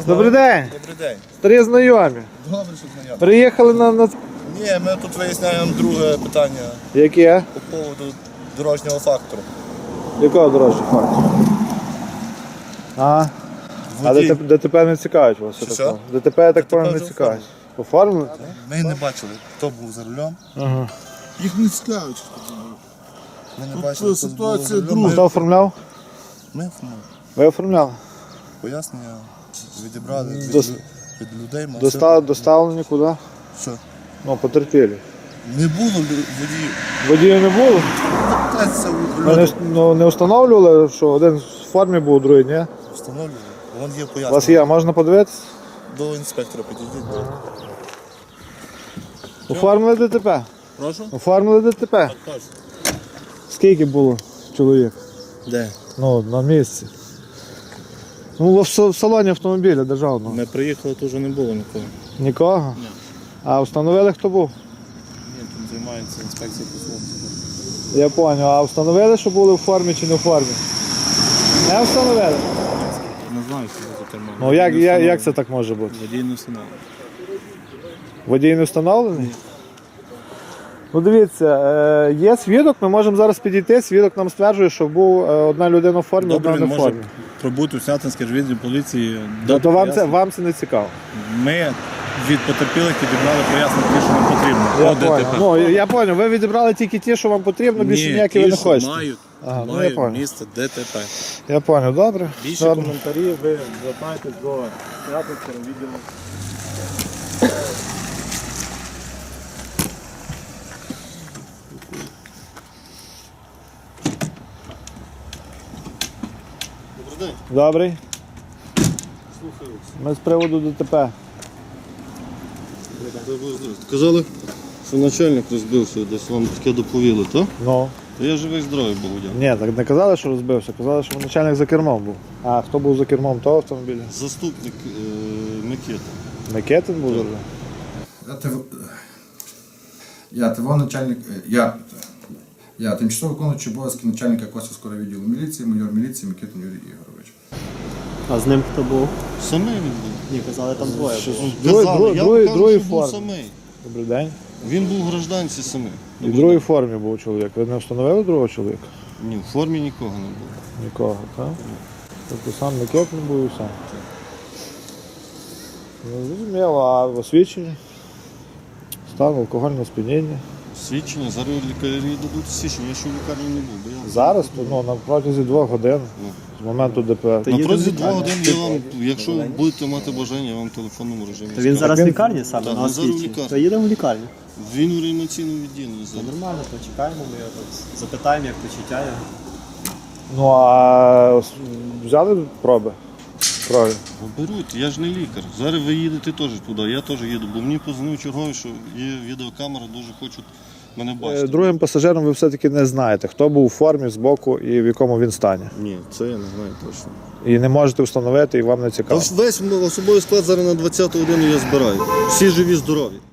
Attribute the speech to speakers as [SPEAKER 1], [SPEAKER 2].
[SPEAKER 1] Добрий день.
[SPEAKER 2] Добрий день.
[SPEAKER 1] Старі знайомі.
[SPEAKER 2] Добре, що знайомі.
[SPEAKER 1] Приїхали на...
[SPEAKER 2] Ні, ми тут виясняємо друге питання
[SPEAKER 1] Яке?
[SPEAKER 2] по поводу дорожнього фактору.
[SPEAKER 1] Якого дорожнього факту? А
[SPEAKER 2] Водій.
[SPEAKER 1] ДТП не цікавить вас?
[SPEAKER 2] Що?
[SPEAKER 1] Такого? ДТП, я так
[SPEAKER 2] ДТП
[SPEAKER 1] понял, не
[SPEAKER 2] вже
[SPEAKER 1] цікавить. Оформили?
[SPEAKER 2] Ми не бачили, хто був за рулем.
[SPEAKER 1] Ага.
[SPEAKER 3] Їх не цікавить.
[SPEAKER 2] Ми не
[SPEAKER 3] Тут
[SPEAKER 2] бачили, хто
[SPEAKER 3] ситуація
[SPEAKER 2] був за рулем.
[SPEAKER 3] друга.
[SPEAKER 1] Хто оформляв?
[SPEAKER 2] Ми
[SPEAKER 1] Ви оформляли?
[SPEAKER 2] пояснення відібрали від людей. Ми
[SPEAKER 1] Доставлені куди?
[SPEAKER 2] Що?
[SPEAKER 1] Ну, потерпілі.
[SPEAKER 2] Не було водіїв.
[SPEAKER 1] Водіїв не було?
[SPEAKER 2] Питається у
[SPEAKER 1] Ви не встановлювали, що один в формі був, другий ні?
[SPEAKER 2] встановлювали. Вон є
[SPEAKER 1] У вас
[SPEAKER 2] пояснення.
[SPEAKER 1] є, можна подивитися?
[SPEAKER 2] До інспектора підійдіть.
[SPEAKER 1] Оформили ДТП?
[SPEAKER 2] Прошу?
[SPEAKER 1] Оформили ДТП?
[SPEAKER 2] Прошу.
[SPEAKER 1] Скільки було чоловік?
[SPEAKER 2] Де?
[SPEAKER 1] Ну, на місці. Ну, в салоні автомобіля державного.
[SPEAKER 2] Ми приїхали, то вже не було нікого.
[SPEAKER 1] Нікого?
[SPEAKER 2] Ні.
[SPEAKER 1] А встановили, хто був?
[SPEAKER 2] Ні, там займається інспекція по службі.
[SPEAKER 1] Я зрозумів. А встановили, що були в формі чи не в формі? Не встановили?
[SPEAKER 2] Не знаю, що за кермо.
[SPEAKER 1] Ну, як це так може бути?
[SPEAKER 2] Водій не встановлений.
[SPEAKER 1] Водій не встановлений? Ну, дивіться, є свідок, ми можемо зараз підійти, свідок нам стверджує, що був одна людина в формі,
[SPEAKER 2] Добре,
[SPEAKER 1] одна
[SPEAKER 2] він
[SPEAKER 1] не в
[SPEAKER 2] може
[SPEAKER 1] формі.
[SPEAKER 2] пробути у Снятинській відділі поліції.
[SPEAKER 1] Тобто вам це не цікаво?
[SPEAKER 2] Ми від потерпілих відібрали пояснення, ті, що нам потрібно.
[SPEAKER 1] Я
[SPEAKER 2] По ДТП.
[SPEAKER 1] понял. Ну, я зрозумів, ви відібрали тільки ті, що вам потрібно, більше ніякі ви не хочете.
[SPEAKER 2] мають,
[SPEAKER 1] Ага, ну, я
[SPEAKER 2] мають
[SPEAKER 1] понял.
[SPEAKER 2] місце ДТП.
[SPEAKER 1] Я зрозумів, добре.
[SPEAKER 2] Більше
[SPEAKER 1] Добре.
[SPEAKER 2] коментарів ви звертайтесь до Снятинського відділу. Добрий день.
[SPEAKER 1] Добрий.
[SPEAKER 2] Слухаю.
[SPEAKER 1] Ми з приводу ДТП.
[SPEAKER 4] Сказали, що начальник розбився, десь вам таке доповіли, так?
[SPEAKER 1] Ну.
[SPEAKER 4] Я живий здоровий був, дякую.
[SPEAKER 1] Ні, так не казали, що розбився, казали, що начальник за кермом був. А хто був за кермом того автомобіля?
[SPEAKER 4] Заступник Микита.
[SPEAKER 1] Микетин був за кермом?
[SPEAKER 3] Я тимчасово виконуючий обов'язки начальника Косівського відділу міліції, майор міліції Микитин Юрій Ігорович.
[SPEAKER 5] А з ним хто був?
[SPEAKER 4] Самий він був.
[SPEAKER 5] Ні, казали, там двоє було.
[SPEAKER 4] Казали, я вам кажу,
[SPEAKER 1] другий
[SPEAKER 4] що був
[SPEAKER 1] форм.
[SPEAKER 4] самий.
[SPEAKER 1] Добрий день.
[SPEAKER 4] Він був в гражданці самий.
[SPEAKER 1] І в другій формі був чоловік. Ви не встановили другого чоловіка?
[SPEAKER 4] Ні, в формі нікого не було.
[SPEAKER 1] Нікого, так? Тобто сам Микетин був і сам. Ну, зрозуміло, а освідчення? Стан алкогольного сп'яніння.
[SPEAKER 4] Свідчення, зараз лікарі дадуть свідчення, я ще в лікарні не був. Бо я...
[SPEAKER 1] Зараз, то, ну, на протязі 2 годин з моменту ДП.
[SPEAKER 4] На
[SPEAKER 5] їдемо
[SPEAKER 4] протязі
[SPEAKER 5] в
[SPEAKER 4] 2
[SPEAKER 5] лікарню.
[SPEAKER 4] годин я вам, якщо будете мати бажання, я вам в телефонному режимі
[SPEAKER 5] То він
[SPEAKER 4] скажу.
[SPEAKER 5] зараз в лікарні саме,
[SPEAKER 4] Так,
[SPEAKER 5] на
[SPEAKER 4] він зараз в
[SPEAKER 5] освіті.
[SPEAKER 4] лікарні.
[SPEAKER 5] То їдемо в лікарню.
[SPEAKER 4] Він у реанімаційному відділенні
[SPEAKER 5] То
[SPEAKER 4] зараз.
[SPEAKER 5] нормально, почекаємо, ми його тут запитаємо, як почуття його.
[SPEAKER 1] Ну, а взяли проби? Крові?
[SPEAKER 4] Беруть, я ж не лікар. Зараз ви їдете теж туди, я теж їду, бо мені позвонив черговий, що є відеокамера, дуже хочуть мене бачити.
[SPEAKER 1] Другим пасажиром ви все-таки не знаєте, хто був у формі збоку і в якому він стані.
[SPEAKER 4] Ні, це я не знаю точно.
[SPEAKER 1] І не можете встановити, і вам не цікаво.
[SPEAKER 4] Та весь особовий склад зараз на 20-ту годину я збираю. Всі живі, здорові.